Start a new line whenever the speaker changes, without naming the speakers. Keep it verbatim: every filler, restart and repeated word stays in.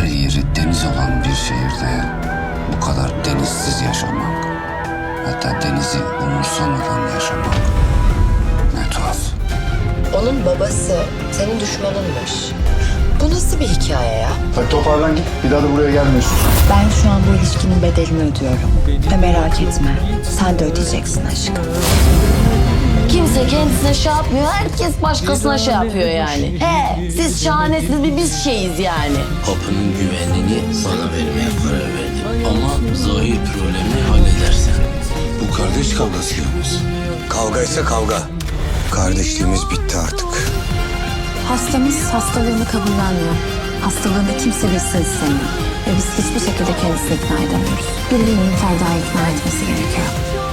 her yeri deniz olan bir şehirde bu kadar denizsiz yaşamak, hatta denizi umursamadan yaşamak ne tuhaf.
Onun babası senin düşmanınmış. Bu nasıl bir hikaye ya?
Hadi toparlan git. Bir daha da buraya gelmiyorsun.
Ben şu an bu ilişkinin bedelini ödüyorum. Ve merak etme, sen de ödeyeceksin aşkım.
Kimse kendisine şey yapmıyor, herkes başkasına şey yapıyor yani. He, siz şahanesiniz, bir biz şeyiz yani.
Kapının güvenliğini bana vermeye karar verdim. Ama zahir problemi halledersen.
Bu kardeş kavgası yalnız.
Kavga ise kavga. Kardeşliğimiz bitti artık.
Hastamız hastalığını kabullenmiyor. Hastalığını kimse bilsin istemiyor. Ve biz hiçbir şekilde kendisini ikna edemiyoruz. Birilerinin Ferda'yı ikna etmesi gerekiyor.